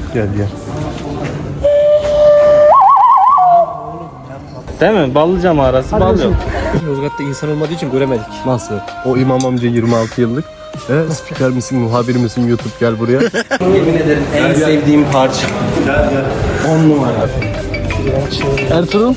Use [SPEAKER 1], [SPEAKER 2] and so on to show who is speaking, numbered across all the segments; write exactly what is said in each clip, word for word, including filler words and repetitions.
[SPEAKER 1] Gel gel.
[SPEAKER 2] Değil mi? Ballıca mağarası, bal yok.
[SPEAKER 3] Yozgat'ta insan olmadığı için göremedik.
[SPEAKER 1] Nasıl? O İmam amca yirmi altı yıllık. E, spiker misin, muhabir misin, YouTube gel buraya.
[SPEAKER 2] Yemin ederim en sevdiğim parça.
[SPEAKER 1] Gel gel.
[SPEAKER 2] on numara.
[SPEAKER 1] Ertuğrul.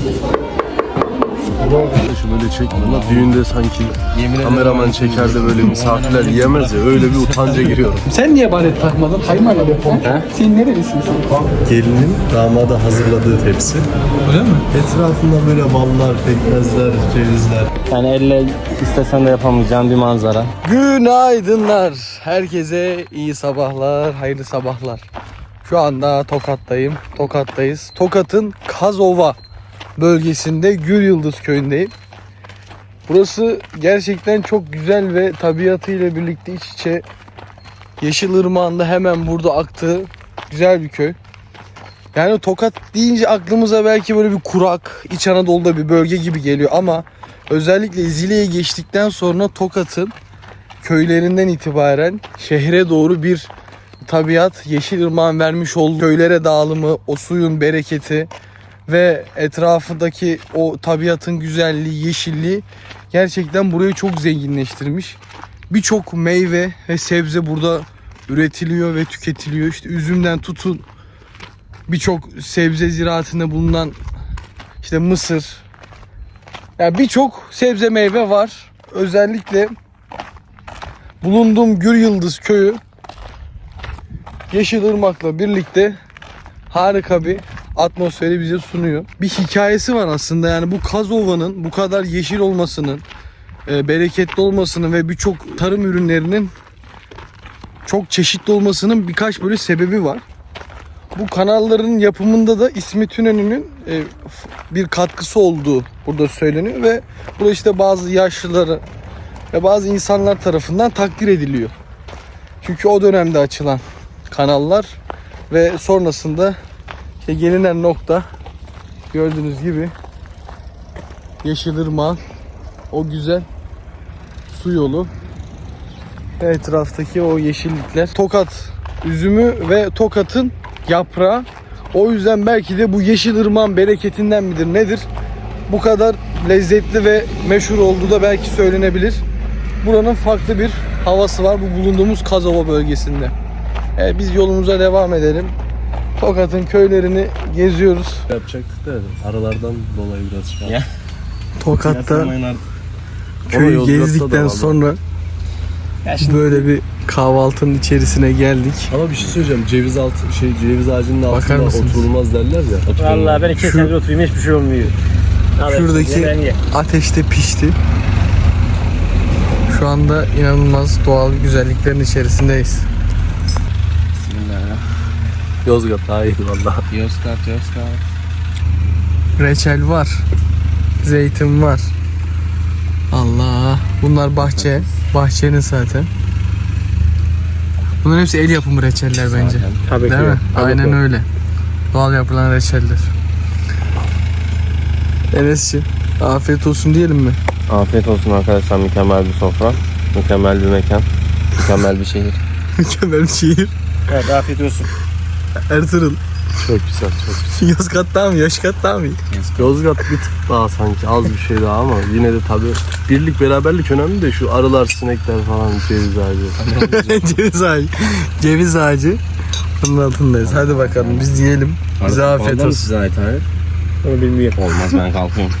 [SPEAKER 1] Şu böyle çekme la, düğünde sanki kameraman çeker de böyle misafirler yiyemez ya, öyle bir utanca giriyorum.
[SPEAKER 4] Sen niye baret takmadın? Kaymak abi. Sen nerelisin sen?
[SPEAKER 1] Gelinin damada hazırladığı tepsi.
[SPEAKER 4] Öyle mi?
[SPEAKER 1] Etrafında böyle ballar, pekmezler, cevizler.
[SPEAKER 2] Yani elle istesen de yapamayacağın bir manzara.
[SPEAKER 4] Günaydınlar. Herkese iyi sabahlar, hayırlı sabahlar. Şu anda Tokat'tayım. Tokat'tayız. Tokat'ın Kazova bölgesinde Gülyıldız köyündeyim. Burası gerçekten çok güzel ve tabiatıyla birlikte iç içe. Yeşilırmağı'nda hemen burada aktığı güzel bir köy. Yani Tokat deyince aklımıza belki böyle bir kurak, İç Anadolu'da bir bölge gibi geliyor ama özellikle Zile'ye geçtikten sonra Tokat'ın köylerinden itibaren şehre doğru bir tabiat, Yeşilırmağın vermiş olduğu köylere dağılımı, o suyun bereketi ve etrafındaki o tabiatın güzelliği, yeşilliği gerçekten burayı çok zenginleştirmiş. Birçok meyve ve sebze burada üretiliyor ve tüketiliyor. İşte üzümden tutun birçok sebze ziraatında bulunan işte mısır. Yani birçok sebze meyve var. Özellikle bulunduğum Gülyıldız köyü Yeşilırmak'la birlikte harika bir atmosferi bize sunuyor. Bir hikayesi var aslında, yani bu Kazova'nın bu kadar yeşil olmasının, e, bereketli olmasının ve birçok tarım ürünlerinin çok çeşitli olmasının birkaç böyle sebebi var. Bu kanalların yapımında da İsmet İnönü'nün e, bir katkısı olduğu burada söyleniyor ve burada işte bazı yaşlıları ve bazı insanlar tarafından takdir ediliyor. Çünkü o dönemde açılan kanallar ve sonrasında işte gelinen nokta gördüğünüz gibi Yeşilırmak, o güzel su yolu ve etraftaki o yeşillikler. Tokat üzümü ve Tokat'ın yaprağı. O yüzden belki de bu Yeşilırmak'ın bereketinden midir nedir? Bu kadar lezzetli ve meşhur olduğu da belki söylenebilir. Buranın farklı bir havası var bu bulunduğumuz Kazova bölgesinde. Evet, biz yolumuza devam edelim. Tokat'ın köylerini geziyoruz.
[SPEAKER 1] Yapacaktık da aralardan dolayı biraz şey.
[SPEAKER 2] Ya.
[SPEAKER 4] Tokat'ta
[SPEAKER 1] Ama
[SPEAKER 4] köyü
[SPEAKER 1] Yozgat'ta da
[SPEAKER 4] gezdikten
[SPEAKER 1] var.
[SPEAKER 4] sonra böyle bir kahvaltının içerisine geldik.
[SPEAKER 1] Ama bir şey söyleyeceğim, ceviz altı şey ceviz ağacının
[SPEAKER 4] Bakar
[SPEAKER 1] altında
[SPEAKER 4] mısınız?
[SPEAKER 1] oturulmaz derler ya.
[SPEAKER 2] Vallahi ben iki senedir oturayım, hiçbir şey olmuyor.
[SPEAKER 4] Şuradaki ateşte pişti. Şu anda inanılmaz doğal güzelliklerin içerisindeyiz.
[SPEAKER 1] Yozgat daha iyi valla.
[SPEAKER 2] Yozgat, Yozgat.
[SPEAKER 4] Reçel var. Zeytin var. Allah. Bunlar bahçe. Bahçenin zaten. Bunların hepsi el yapımı reçeller bence.
[SPEAKER 2] Tabii
[SPEAKER 4] Değil
[SPEAKER 2] ki.
[SPEAKER 4] mi?
[SPEAKER 2] Tabii
[SPEAKER 4] Aynen
[SPEAKER 2] ki.
[SPEAKER 4] öyle. Doğal yapılan reçeller. Enes'ciğim afiyet olsun diyelim mi?
[SPEAKER 2] Afiyet olsun arkadaşlar, mükemmel bir sofra, mükemmel bir mekan, mükemmel bir şehir.
[SPEAKER 4] Mükemmel bir şehir.
[SPEAKER 2] Evet, afiyet olsun.
[SPEAKER 4] Ertuğrul.
[SPEAKER 1] Çok güzel, çok güzel.
[SPEAKER 4] Yozgat daha mı? Yozgat daha mı?
[SPEAKER 1] Yozgat bir tık daha sanki az bir şey daha ama yine de tabii birlik beraberlik önemli de şu arılar, sinekler falan, ceviz ağacı.
[SPEAKER 4] Ceviz ağacı. Ceviz ağacı. Bunun altındayız. Hadi bakalım biz yiyelim. Bize afiyet olsun.
[SPEAKER 2] Size ait abi. Onu bilmiyorum. Olmaz, ben kalkıyorum.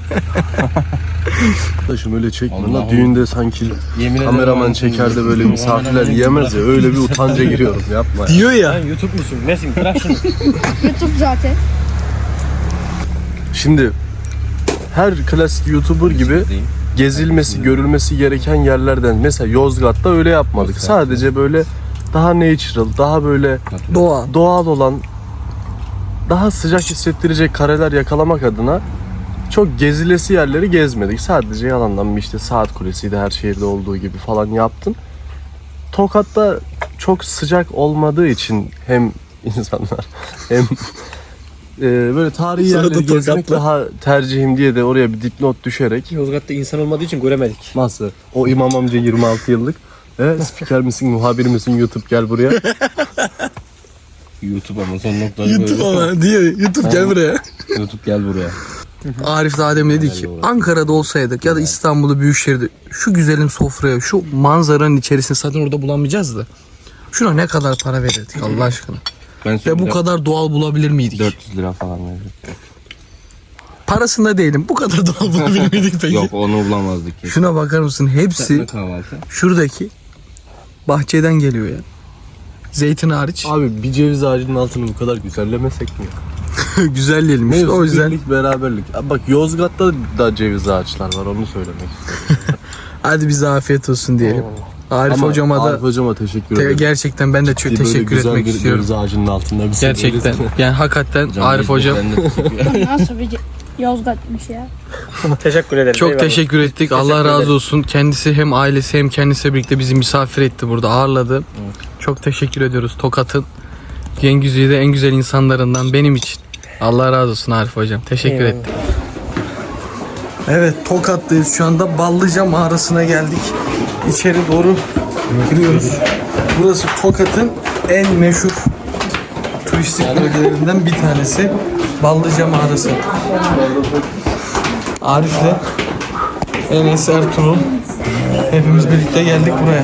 [SPEAKER 1] Taşım öyle çekme
[SPEAKER 2] Allah
[SPEAKER 1] la, düğünde sanki
[SPEAKER 2] Yemin
[SPEAKER 1] kameraman
[SPEAKER 2] ederim.
[SPEAKER 1] çeker de böyle misafirler yiyemez ya, öyle bir utanca giriyorum, yapma ya.
[SPEAKER 4] Diyor ya.
[SPEAKER 2] Sen YouTube musun? Nesin? Bırak şunu.
[SPEAKER 5] YouTube zaten.
[SPEAKER 1] Şimdi her klasik YouTuber gibi gezilmesi, görülmesi gereken yerlerden mesela Yozgat'ta öyle yapmadık. Sadece böyle daha natural, daha böyle
[SPEAKER 4] Doğa.
[SPEAKER 1] doğal olan, daha sıcak hissettirecek kareler yakalamak adına çok gezilesi yerleri gezmedik. Sadece yalandan bir işte Saat Kulesi'ydi, her şehirde olduğu gibi falan yaptın. Tokat'ta çok sıcak olmadığı için hem insanlar hem e, böyle tarihi
[SPEAKER 4] Sonra da
[SPEAKER 1] yerleri gezmek
[SPEAKER 4] Tokat'la.
[SPEAKER 1] daha tercihim diye de oraya bir dipnot düşerek.
[SPEAKER 3] Yozgat'ta insan olmadığı için göremedik.
[SPEAKER 1] Nasıl? O İmam amca yirmi altı yıllık. E, spiker misin, muhabir misin, YouTube gel buraya.
[SPEAKER 2] YouTube ama son noktayı
[SPEAKER 4] YouTube
[SPEAKER 2] böyle.
[SPEAKER 4] ama diyor. YouTube gel buraya.
[SPEAKER 2] YouTube gel buraya.
[SPEAKER 4] Arif daha demin dedi ki Ankara'da olsaydık ya da İstanbul'da Büyükşehir'de şu güzelim sofraya şu manzaranın içerisinde zaten orada bulamayacağız da şuna ne kadar para verirdik Allah aşkına.
[SPEAKER 2] Ben
[SPEAKER 4] Ve bu kadar doğal bulabilir miydik?
[SPEAKER 2] dört yüz lira falan verirdim.
[SPEAKER 4] Parasında değilim. Bu kadar doğal bulabilir miydik peki?
[SPEAKER 2] Yok onu bulamazdık ki.
[SPEAKER 4] Şuna bakar mısın? Hepsi
[SPEAKER 2] Kahvaltı.
[SPEAKER 4] şuradaki bahçeden geliyor ya. Zeytin hariç.
[SPEAKER 1] Abi bir ceviz ağacının altını bu kadar güzellemesek mi?
[SPEAKER 4] Güzelleyelim işte. O yüzden
[SPEAKER 1] birlik, beraberlik. Abi bak Yozgat'ta da ceviz ağaçlar var, onu söylemek istedim.
[SPEAKER 4] hadi bize afiyet olsun diyelim. Arif
[SPEAKER 1] Ama
[SPEAKER 4] hocama da
[SPEAKER 1] Arif hocama teşekkür
[SPEAKER 4] te-
[SPEAKER 1] ederim.
[SPEAKER 4] gerçekten ben de çok
[SPEAKER 1] Böyle
[SPEAKER 4] teşekkür
[SPEAKER 1] güzel
[SPEAKER 4] etmek
[SPEAKER 1] bir
[SPEAKER 4] istiyorum.
[SPEAKER 1] ceviz ağacının altında bir
[SPEAKER 4] Gerçekten. Yani hakikaten Arif hocam
[SPEAKER 5] Nasıl bir Yozgat'mış ya.
[SPEAKER 3] Teşekkür ederim.
[SPEAKER 4] çok
[SPEAKER 3] eyvallah.
[SPEAKER 4] teşekkür ettik.
[SPEAKER 3] Teşekkür
[SPEAKER 4] Allah razı
[SPEAKER 3] ederiz.
[SPEAKER 4] olsun. Kendisi hem ailesi hem kendisiyle birlikte bizi misafir etti burada. Ağırladı. Çok teşekkür ediyoruz. Tokat'ın Gengüzü'de en güzel insanlarından benim için. Allah razı olsun Arif hocam. Teşekkür
[SPEAKER 3] Eyvallah.
[SPEAKER 4] ettim. Evet, Tokat'tayız şu anda. Ballıca mağarasına geldik. İçeri doğru giriyoruz. Burası Tokat'ın en meşhur turistik bölgelerinden bir tanesi. Ballıca mağarası. Arif'le Enes, Ertuğrul hepimiz birlikte geldik buraya.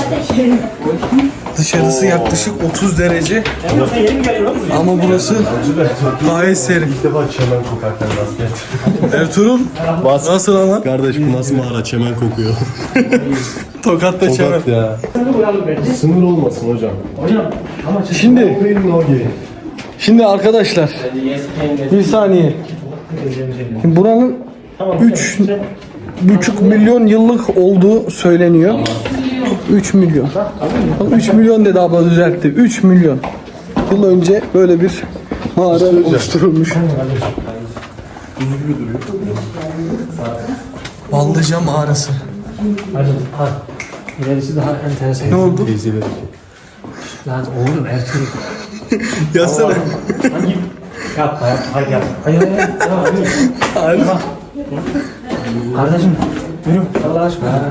[SPEAKER 4] Dışarısı yaklaşık otuz derece ama burası gayet serin.
[SPEAKER 1] İlk defa çemen kokarken rast
[SPEAKER 4] Ertuğrul nasıl ama?
[SPEAKER 1] Kardeş bu nasıl mağara, çemen kokuyor.
[SPEAKER 4] Tokat'ta çemen.
[SPEAKER 1] Tokat ya. Sınır olmasın hocam.
[SPEAKER 4] Şimdi Şimdi arkadaşlar bir saniye. Şimdi buranın üç buçuk milyon yıllık olduğu söyleniyor. üç milyon. üç milyon dedi abla, düzeltti. üç milyon yıl önce böyle bir mağara oluşturulmuş. Ballıca mağarası.
[SPEAKER 3] İlerisi daha enteresan.
[SPEAKER 4] Ne oldu?
[SPEAKER 3] Lan oğlum Ertuğrul.
[SPEAKER 4] Yazsana.
[SPEAKER 3] Yapma yapma. Hadi yapma. Hayır hayır. Hayır. Kardeşim yürü. Allah aşkına.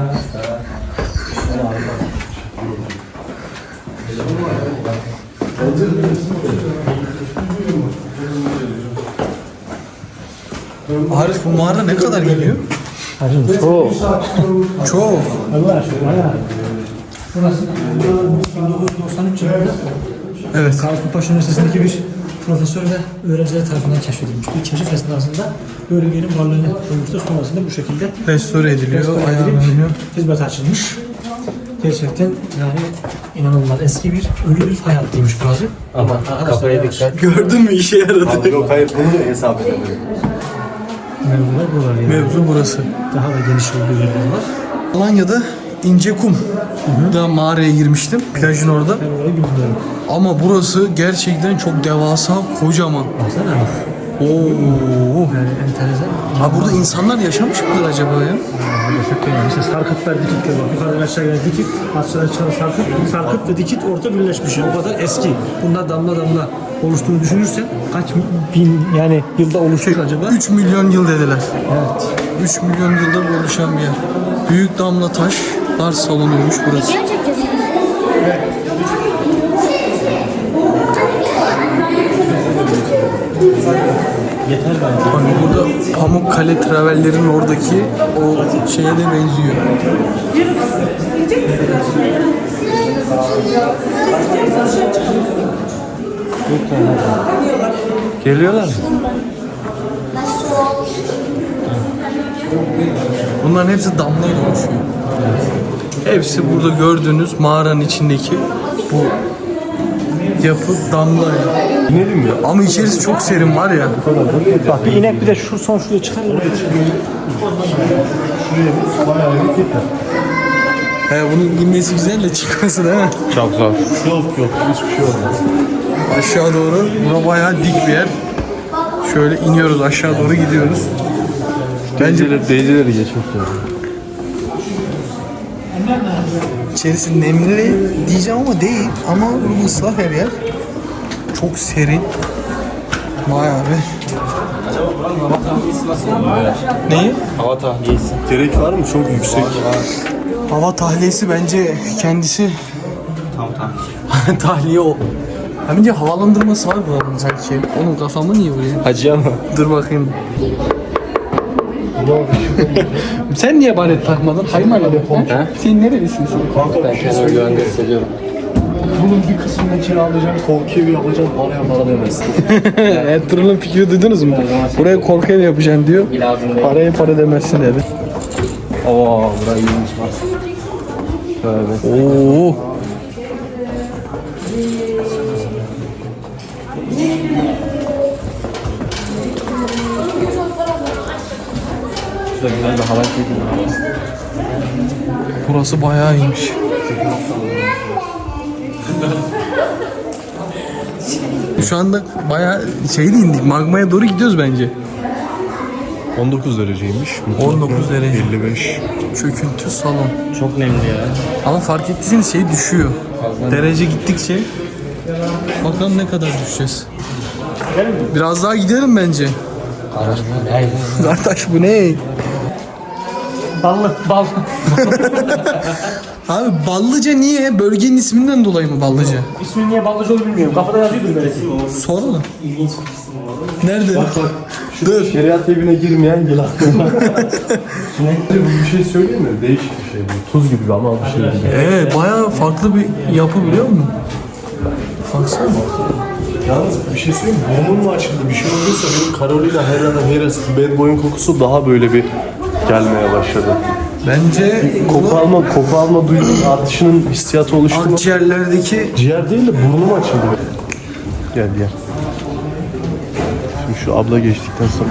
[SPEAKER 4] Arif, bu mağara ne kadar geliyor?
[SPEAKER 3] Hacım çok.
[SPEAKER 4] Çok.
[SPEAKER 3] Allah aşkına ya. Burası bin dokuz yüz doksan üç yılında
[SPEAKER 4] Evet.
[SPEAKER 3] Karlsruhe Üniversitesi'ndeki bir profesör ve öğrenciler tarafından keşfedilmiş. Bir keşif esnasında bölgenin varlığını bulmuştur. Sonrasında bu şekilde
[SPEAKER 4] Restore ediliyor,
[SPEAKER 3] restore edilip
[SPEAKER 4] ayarlanıyor.
[SPEAKER 3] hizmet açılmış. Gerçekten yani inanılmaz eski bir ölü bir fay hattıymış burası. Ama kafaya dikkat.
[SPEAKER 4] Gördün mü, işe yaradı.
[SPEAKER 1] Yok hayır, bunu hesap edelim.
[SPEAKER 3] Mevzular buralar yani.
[SPEAKER 4] Mevzu burası.
[SPEAKER 3] Daha da geniş olduğu yerler var.
[SPEAKER 4] Alanya'da İncekum da mağaraya girmiştim. Plajın orada.
[SPEAKER 3] Ben orayı bilmiyorum.
[SPEAKER 4] Ama burası gerçekten çok devasa, kocaman.
[SPEAKER 3] Baksana.
[SPEAKER 4] Oo.
[SPEAKER 3] Yani enteresan.
[SPEAKER 4] Ha, burada insanlar yaşamış mıdır acaba ya?
[SPEAKER 3] Gerçekten yani. Mesela sarkıtlar, dikitler var. Yukarıdan aşağıya gelen dikit, aşağıdan çıkan sarkıt. Sarkıt ve dikit orta birleşmiş. Yani o kadar eski. Bunlar damla damla oluştuğunu düşünürsen kaç bin yani yılda oluşmuş acaba?
[SPEAKER 4] üç milyon yıl dediler.
[SPEAKER 3] Evet.
[SPEAKER 4] üç milyon yıldır oluşan bir yer. Büyük damla taşlar salınıyormuş burası.
[SPEAKER 5] Video çekeceğiz.
[SPEAKER 3] Yeter bence.
[SPEAKER 4] Hani burada Pamukkale Traveller'in oradaki o şeye de benziyor.
[SPEAKER 1] Geliyorlar mı?
[SPEAKER 4] Bunların hepsi damlayla oluşuyor. Hepsi burada gördüğünüz mağaranın içindeki bu yapı damlayla.
[SPEAKER 1] İnelim ya.
[SPEAKER 4] Ama içerisi çok serin var ya.
[SPEAKER 3] Bak bir inek bir de şu son şuraya çıkar.
[SPEAKER 4] He, bunun inmesi güzel de çıkması değil mi?
[SPEAKER 2] Çok zor.
[SPEAKER 1] Yok yok, hiçbir şey olmaz.
[SPEAKER 4] Aşağı doğru. Bura bayağı dik bir yer. Şöyle iniyoruz, aşağı doğru gidiyoruz. Bence
[SPEAKER 1] Deyicileri geçmiş lazım.
[SPEAKER 4] içerisi nemli diyeceğim ama değil. Ama ıslah her yer. Çok serin. Vay abi. Neyi?
[SPEAKER 2] Hava tahliyesi.
[SPEAKER 1] Gerek var mı? Çok yüksek.
[SPEAKER 4] Hava tahliyesi bence kendisi tahliye o. Ha bir de havalandırması var buranın sanki. Onun kafamı niye vuruyor?
[SPEAKER 2] Hacı ama.
[SPEAKER 4] Dur bakayım. Sen niye baret takmadın? Haymarla ha? Sen nerelisin sen?
[SPEAKER 2] Ben kendimi güvende hissediyorum.
[SPEAKER 1] Bunun bir kısmını kiralayacağım, korku evi yapacağım, paraya para demezsin.
[SPEAKER 4] Ertuğrul'un fikri duydunuz mu? Buraya korku ev yapacağım diyor. Paraya para demezsin dedi.
[SPEAKER 2] Oo, burayı iyiymiş bak. Şöyle.
[SPEAKER 4] Oo.
[SPEAKER 2] Şurada güzel bir hava çekiyor.
[SPEAKER 4] Burası bayağı iyiymiş. Şu anda bayağı şeyde indik. Magmaya doğru gidiyoruz bence.
[SPEAKER 1] on dokuz dereceymiş.
[SPEAKER 4] on dokuz derece.
[SPEAKER 1] elli beş.
[SPEAKER 4] Çöküntü salon.
[SPEAKER 2] Çok nemli ya.
[SPEAKER 4] Ama fark ettiyseniz şey düşüyor. Derece gittikçe. Bakalım ne kadar düşeceğiz. Biraz daha gidelim bence. Kardeş bu ne?
[SPEAKER 3] Ballı, bal.
[SPEAKER 4] Abi Ballıca niye? Bölgenin isminden dolayı mı Ballıca?
[SPEAKER 3] İsmi niye Ballıca olduğunu bilmiyorum. Kafada yazıyordur böyle.
[SPEAKER 4] Sor mu? Nerede?
[SPEAKER 1] Dur. Şeriat evine girmeyen gel aklıma. Bu bir şey söyleyeyim mi? Değişik bir şey bu. Tuz gibi ama bir şey değil.
[SPEAKER 4] Evet bayağı farklı bir yapı biliyor musun? Baksana.
[SPEAKER 1] Yalnız bir şey söyleyeyim mi? Burnum mu açıldı? Bir şey olduysa benim Carolina Herrera Harris Bad Boy'un kokusu daha böyle bir gelmeye başladı.
[SPEAKER 4] Bence
[SPEAKER 1] Koku alma, koku alma duyunun artışının hissiyatı oluştu mu?
[SPEAKER 4] akciğerlerdeki
[SPEAKER 1] Ciğer değil de burnum açıldı. Gel gel. Şimdi şu abla geçtikten sonra.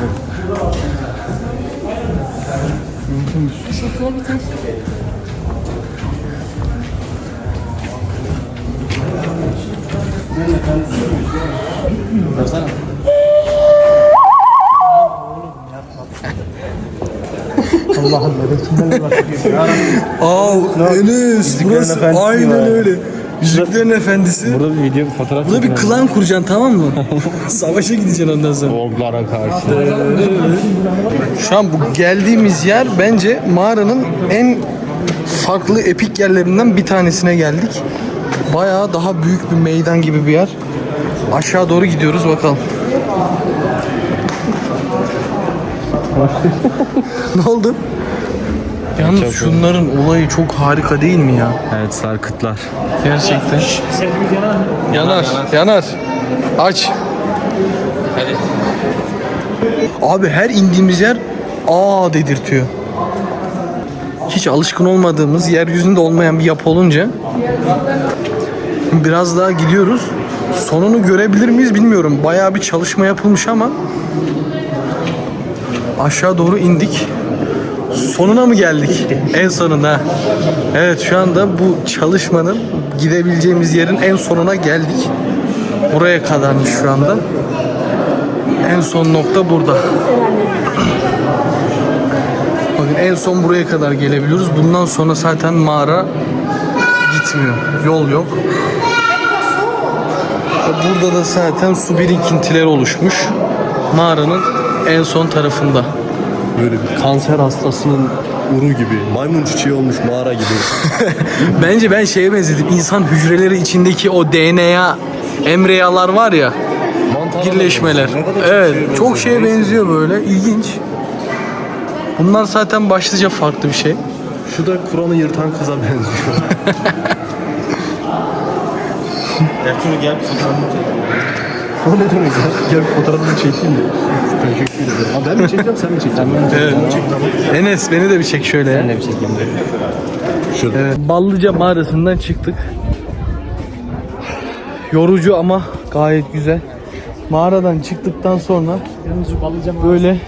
[SPEAKER 3] Allah'ım böyle kimlerle bakıyorsun?
[SPEAKER 4] Aa Enes burası
[SPEAKER 2] Efendisi
[SPEAKER 4] aynen
[SPEAKER 2] var.
[SPEAKER 4] öyle. Yüzüklerin Efendisi.
[SPEAKER 2] Burada bir video, bir fotoğraf
[SPEAKER 4] Burada bir klan kuracaksın tamam mı? Savaşa gideceksin ondan sonra.
[SPEAKER 2] Orglara karşı.
[SPEAKER 4] Şu an bu geldiğimiz yer bence mağaranın en farklı epik yerlerinden bir tanesine geldik. Bayağı daha büyük bir meydan gibi bir yer. Aşağı doğru gidiyoruz bakalım. Ne oldu? Yalnız şunların olayı çok harika değil mi ya?
[SPEAKER 2] Evet, sarkıtlar.
[SPEAKER 4] Gerçekten.
[SPEAKER 3] Sevgimiz yanar mı?
[SPEAKER 4] Yanar, yanar. Aç. Abi her indiğimiz yer aa dedirtiyor. Hiç alışkın olmadığımız, yeryüzünde olmayan bir yapı olunca biraz daha gidiyoruz. Sonunu görebilir miyiz bilmiyorum. Bayağı bir çalışma yapılmış ama aşağı doğru indik. Sonuna mı geldik? En sonuna. Evet şu anda bu çalışmanın gidebileceğimiz yerin en sonuna geldik. Buraya kadarmış şu anda. En son nokta burada. Bakın en son buraya kadar gelebiliyoruz. Bundan sonra zaten mağara gitmiyor. Yol yok. Burada da zaten su birikintileri oluşmuş. Mağaranın en son tarafında.
[SPEAKER 1] Böyle bir kanser hastasının uru gibi. Maymun çiçeği olmuş mağara gibi.
[SPEAKER 4] Bence ben şeye benzedim. İnsan hücreleri içindeki o D N A embriyalar var ya. Birleşmeler. Evet, çok şeye benziyor böyle. İlginç. Bunlar zaten başlıca farklı bir şey.
[SPEAKER 1] Şu da Kur'an'ı yırtan kıza benziyor.
[SPEAKER 2] Ertuğrul gel.
[SPEAKER 1] O ne demek ya? Gel bir fotoğrafını çekeyim de. Teşekkür ederim. Ha, ben mi çekeceğim sen mi çekeceksin?
[SPEAKER 4] Evet. Enes beni de bir çek şöyle ya.
[SPEAKER 2] Ne bir çekeyim de.
[SPEAKER 1] Şurada.
[SPEAKER 4] Evet. Ballıca mağarasından çıktık. Yorucu ama gayet güzel. Mağaradan çıktıktan sonra böyle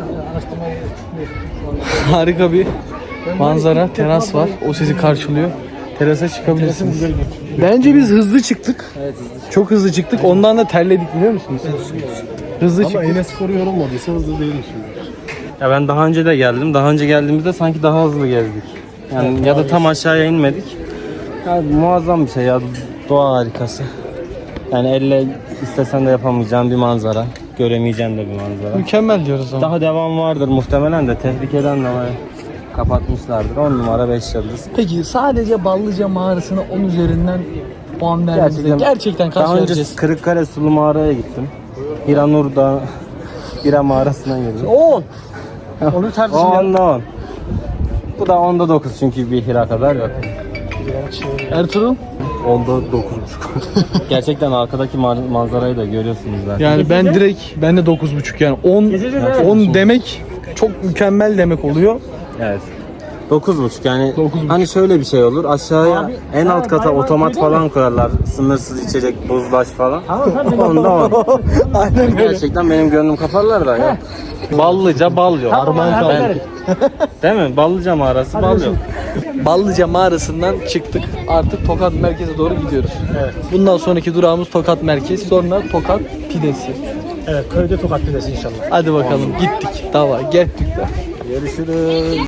[SPEAKER 4] harika bir manzara, teras var. O sizi karşılıyor. Terasa çıkabilirsiniz. Bence biz hızlı çıktık. Çok hızlı çıktık. Ondan da terledik biliyor musunuz? Hızlı
[SPEAKER 1] Ama
[SPEAKER 4] çıktık.
[SPEAKER 1] Enes Kor'u yorulmadıysa hızlı değilmiş.
[SPEAKER 2] Ya ben daha önce de geldim. Daha önce geldiğimizde sanki daha hızlı gezdik. Yani ya da tam aşağıya inmedik. Ya muazzam bir şey ya. Doğa harikası. Yani elle istesen de yapamayacağın bir manzara. Göremeyeceğin de bir manzara.
[SPEAKER 4] Mükemmel diyoruz ama.
[SPEAKER 2] Daha devam vardır muhtemelen de tehlikeden dolayı kapatmışlardır. on numara beş yıldız.
[SPEAKER 4] Peki sadece Ballıca mağarasına on üzerinden
[SPEAKER 3] puan verdiğimizde
[SPEAKER 2] Gerçekten-
[SPEAKER 3] gerçekten kaç
[SPEAKER 2] Daha önce
[SPEAKER 3] vereceğiz?
[SPEAKER 2] Kırıkkale Sulu Mağara'ya gittim. Hiranur'da Hira mağarasına girdim.
[SPEAKER 3] on. Onu
[SPEAKER 2] O
[SPEAKER 3] tartışmayalım.
[SPEAKER 2] onda on. Bu da onda dokuz çünkü bir Hira kadar yok.
[SPEAKER 3] Ertuğrul?
[SPEAKER 1] Onda dokuz buçuk.
[SPEAKER 2] Gerçekten arkadaki ma- manzarayı da görüyorsunuz zaten.
[SPEAKER 4] Yani ben direkt ben de dokuz buçuk yani on on demek çok mükemmel demek oluyor.
[SPEAKER 2] Evet. dokuz buçuk yani hani şöyle bir şey olur aşağıya en alt kata otomat falan koyarlar sınırsız içecek buzlaş falan onda on.
[SPEAKER 4] Aynen öyle.
[SPEAKER 2] Gerçekten benim gönlüm kaparlar da ya. Ballıca bal yok.
[SPEAKER 3] Harman kaldı.
[SPEAKER 2] Değil mi? Ballıca mağarası bal yok.
[SPEAKER 4] Ballıca mağarasından çıktık. Artık Tokat merkeze doğru gidiyoruz. Evet. Bundan sonraki durağımız Tokat merkez, sonra Tokat pidesi.
[SPEAKER 3] Evet, köyde Tokat pidesi inşallah.
[SPEAKER 4] Hadi bakalım gittik. Dava gittik de.
[SPEAKER 2] Görüşürüz.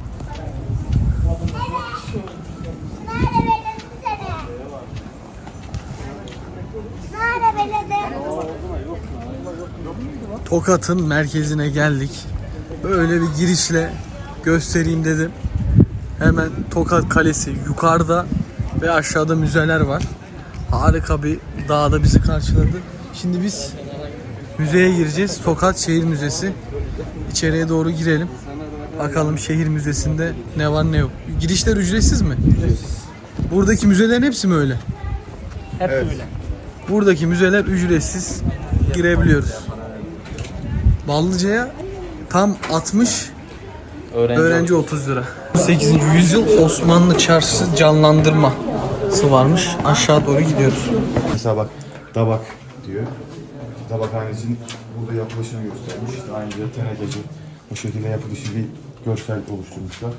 [SPEAKER 4] Tokat'ın merkezine geldik. Böyle bir girişle göstereyim dedim. Hemen Tokat Kalesi yukarıda ve aşağıda müzeler var. Harika bir dağda bizi karşıladı. Şimdi biz müzeye gireceğiz. Tokat Şehir Müzesi. İçeriye doğru girelim. Bakalım şehir müzesinde ne var ne yok. Girişler ücretsiz mi? Buradaki müzelerin hepsi mi öyle?
[SPEAKER 3] Hep öyle.
[SPEAKER 4] Buradaki müzeler ücretsiz girebiliyoruz. Ballıca'ya tam altmış,
[SPEAKER 2] Öğrenci,
[SPEAKER 4] öğrenci otuz lira. sekizinci yüzyıl Osmanlı çarşısı canlandırması varmış. Aşağı doğru gidiyoruz.
[SPEAKER 6] Mesela bak Dabak diyor. Dabakhanecinin burada yapılışını göstermiş. İşte ayrıca tenekeci o şekilde yapılışı bir görsel oluşturmuşlar.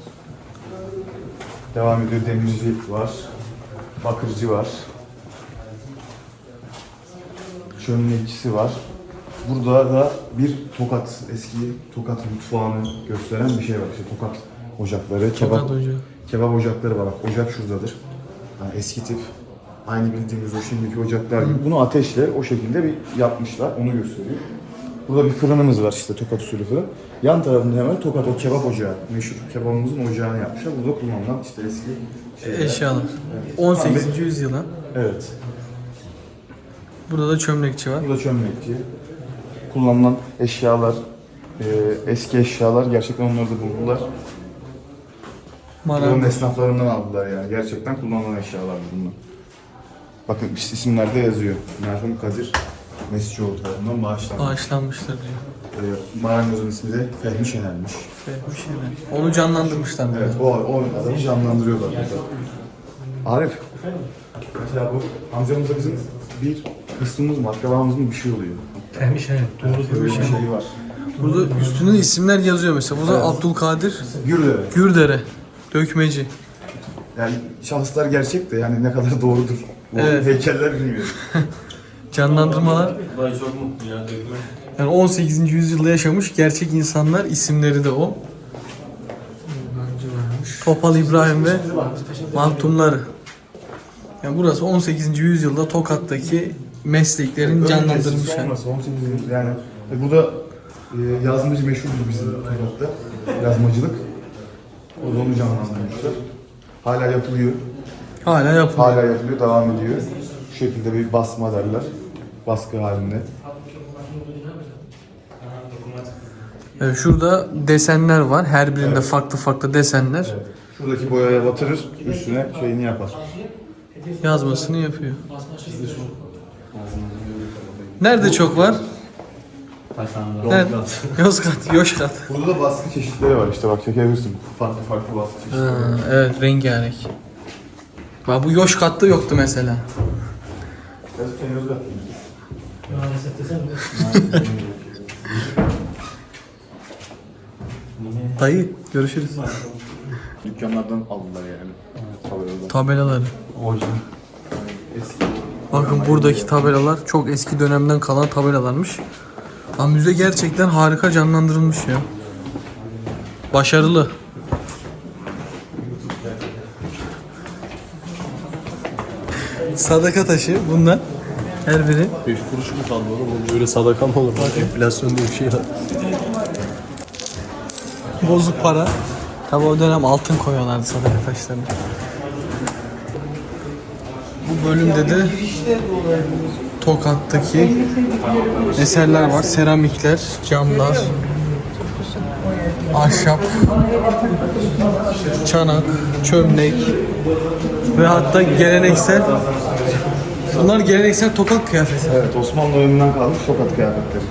[SPEAKER 6] Devam ediyor, demirci var. Bakırcı var. Çömlekçisi var. Burada da bir Tokat, eski Tokat mutfağını gösteren bir şey var. İşte Tokat ocakları, kebap,
[SPEAKER 4] Tokat ocağı.
[SPEAKER 6] kebap ocakları var. Bak ocak şuradadır. Yani eski tip. Aynı bildiğimiz o şimdiki ocaklar gibi. Bunu ateşle o şekilde bir yapmışlar. Onu gösteriyor. Burada bir fırınımız var işte Tokat usulü fırın. Yan tarafında hemen Tokat o kebap ocağı. Meşhur kebabımızın ocağını yapmışlar. Burada kullanılan işte eski şeyler.
[SPEAKER 4] Eşyalar. on sekizinci yüzyıla.
[SPEAKER 6] Evet.
[SPEAKER 4] Burada da çömlekçi var.
[SPEAKER 6] Burada çömlekçi. Kullanılan eşyalar, e, eski eşyalar gerçekten onları da buldular. Buranın
[SPEAKER 4] Marangoz.
[SPEAKER 6] esnaflarından aldılar yani. Gerçekten kullanılan eşyalar bunlar. Bakın isimlerde yazıyor. Merhum Kadir Mescioğlu tarafından bağışlanmış.
[SPEAKER 4] Bağışlanmıştır diyor.
[SPEAKER 6] E, marangozun ismi de Fehmi Şener'miş.
[SPEAKER 4] Bir şeyler. Onu canlandırmışlar.
[SPEAKER 6] Evet, o, o adamı canlandırıyorlar burada. Arif, mesela bu amcamızda bizim bir kısmımız mı, akrabamız mı bir şey oluyor.
[SPEAKER 3] Fehmi Şener.
[SPEAKER 6] Öyle bir şey var.
[SPEAKER 4] Burada üstünde isimler yazıyor mesela. Burada Abdülkadir
[SPEAKER 6] Gürdere.
[SPEAKER 4] Gürdere. Dökmeci.
[SPEAKER 6] Yani şahıslar gerçek de yani ne kadar doğrudur. Bu
[SPEAKER 4] Evet.
[SPEAKER 6] heykeller bilmiyorum.
[SPEAKER 4] Canlandırmalar. Yani on sekizinci yüzyılda yaşamış gerçek insanlar, isimleri de o. Topal İbrahim ve mahtumları. Yani burası on sekizinci yüzyılda Tokat'taki mesleklerin canlandırılmış. yani.
[SPEAKER 6] Olmasa on sekiz yani e, burada e, yazmacı meşhurdur bizim Tokat'ta. Yazmacılık. O da onu canlandırmışlar. Hala yapılıyor.
[SPEAKER 4] Hala yapılıyor.
[SPEAKER 6] Hala yapılıyor, devam ediyor. Şu şekilde bir basma derler. Baskı halinde.
[SPEAKER 4] Evet, şurada desenler var. Her birinde farklı farklı desenler.
[SPEAKER 6] Şuradaki boyaya batırır, üstüne şeyini yapar.
[SPEAKER 4] Yazmasını yapıyor. Nerede çok var? Nerede? Yozgat, Yoşkat.
[SPEAKER 6] Burada da baskı çeşitleri var işte bak çekebilirsin. Farklı farklı baskı çeşitleri.
[SPEAKER 4] Ha, evet, rengarenk. Bak bu Yoşkat'ta yoktu mesela.
[SPEAKER 6] Yazık sen Yozgat.
[SPEAKER 3] Maalesef desem de.
[SPEAKER 4] Dayı, görüşürüz.
[SPEAKER 6] Dükkanlardan aldılar yani. Tabelalar.
[SPEAKER 4] Tabelaları.
[SPEAKER 6] Orijinal. Eski.
[SPEAKER 4] Bakın buradaki tabelalar çok eski dönemden kalan tabelalarmış. Ama müze gerçekten harika canlandırılmış ya. Başarılı. Sadaka taşı bunlar. Her biri.
[SPEAKER 1] beş kuruş mu kaldı oğlum? Böyle sadaka mı olur? Enflasyon diye bir şey var.
[SPEAKER 4] Bozuk para. Tabi o dönem altın koyuyorlardı sadaka taşlarına. Bu bölümde de Tokat'taki eserler var. Seramikler, camlar, ahşap, çanak, çömlek ve hatta geleneksel, bunlar geleneksel Tokat kıyafeti.
[SPEAKER 6] Evet, Osmanlı döneminden kalmış tokat kıyafetleri.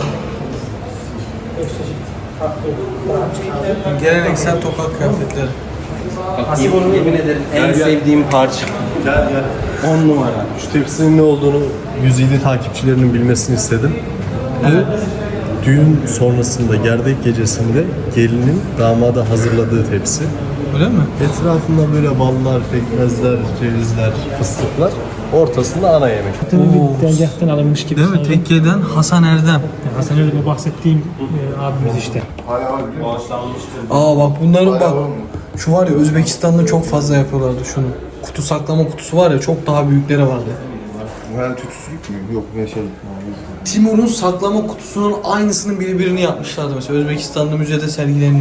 [SPEAKER 4] Geleneksel Tokat kıyafetleri.
[SPEAKER 2] Bak, yemin, yemin ederim en sevdiğim parça.
[SPEAKER 1] Gel gel.
[SPEAKER 2] on numara.
[SPEAKER 1] Şu tepsinin ne olduğunu Güzide takipçilerinin bilmesini istedim. Bu düğün sonrasında gerdek gecesinde gelinin damada hazırladığı tepsi.
[SPEAKER 4] Öyle mi?
[SPEAKER 1] Etrafında böyle ballar, pekmezler, cevizler, fıstıklar. Ortasında ana yemek.
[SPEAKER 3] Bir tezgahtan alınmış gibi.
[SPEAKER 4] Değil mi?
[SPEAKER 3] sanki.
[SPEAKER 4] Tekke'den Hasan Erdem.
[SPEAKER 3] Hasan öyle bahsettiğim e, abimiz işte.
[SPEAKER 4] Aa bak bunların bak. Şu var ya Özbekistan'da çok fazla yapıyorlardı şunu. Kutu saklama kutusu var ya çok daha büyükleri vardı.
[SPEAKER 6] Bu herhalde tütsülük mü? Yok ve şey.
[SPEAKER 4] Timur'un saklama kutusunun aynısının birbirini yapmışlardı mesela. Özbekistan'da müzede sergileniyor.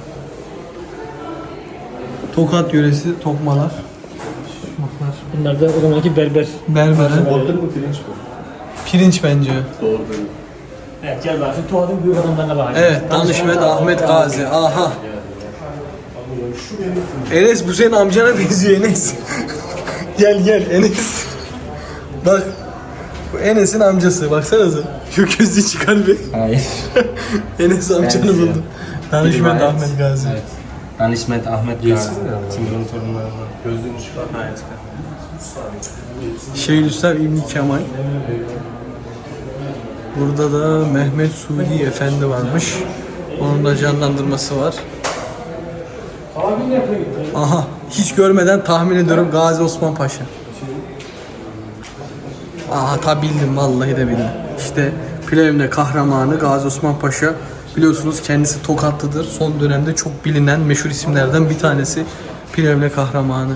[SPEAKER 4] Tokat yöresi tokmalar.
[SPEAKER 3] Bunlar da o zamanki berber.
[SPEAKER 4] Berbere.
[SPEAKER 1] Orada mı pirinç bu?
[SPEAKER 4] Pirinç bence.
[SPEAKER 1] Doğru değil.
[SPEAKER 3] Evet gel bak. Tuğadın büyük adamlarına bak.
[SPEAKER 4] Evet, Danışmet Ahmet Gazi. Aha. Enes bu senin amcana benziyor Enes. Gel gel Enes. Bak. Bu Enes'in amcası. Baksanıza. Şu gözlüğü çıkar bir.
[SPEAKER 2] Hayır.
[SPEAKER 4] Enes amcanı
[SPEAKER 2] Benziyor.
[SPEAKER 4] buldum. Danışmet
[SPEAKER 2] Rivayet.
[SPEAKER 4] Ahmet Gazi.
[SPEAKER 2] Evet. Danışmet Ahmet Gazi. Timur'un torunlarından.
[SPEAKER 1] Gözlüğünü çıkar. Evet.
[SPEAKER 4] Şeyhülislam İbni Kemal. Burada da Mehmet Sudi Efendi varmış. Onun da canlandırması var. Aha, hiç görmeden tahmin ediyorum Gazi Osman Paşa. Aha, ta bildim, vallahi de bildim. İşte Plevne kahramanı Gazi Osman Paşa. Biliyorsunuz kendisi Tokatlıdır. Son dönemde çok bilinen meşhur isimlerden bir tanesi Plevne kahramanı.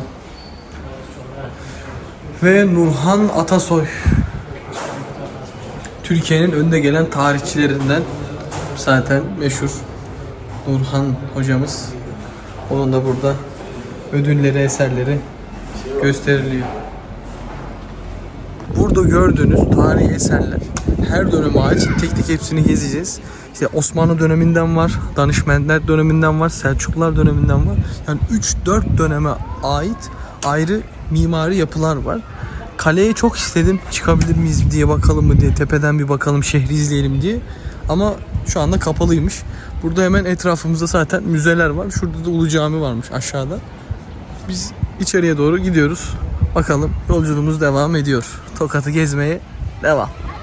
[SPEAKER 4] Ve Nurhan Atasoy. Türkiye'nin önde gelen tarihçilerinden zaten meşhur Nurhan hocamız. Onun da burada ödülleri, eserleri gösteriliyor. Burada gördüğünüz tarihi eserler her döneme ait. Tek tek hepsini gezeceğiz. İşte Osmanlı döneminden var, Danışmentler döneminden var, Selçuklular döneminden var. Yani üç dört döneme ait ayrı mimari yapılar var. Kaleye çok istedim, çıkabilir miyiz diye, bakalım mı diye, tepeden bir bakalım, şehri izleyelim diye. Ama şu anda kapalıymış. Burada hemen etrafımızda zaten müzeler var. Şurada da Ulu Cami varmış aşağıda. Biz içeriye doğru gidiyoruz. Bakalım, yolculuğumuz devam ediyor. Tokat'ı gezmeye devam.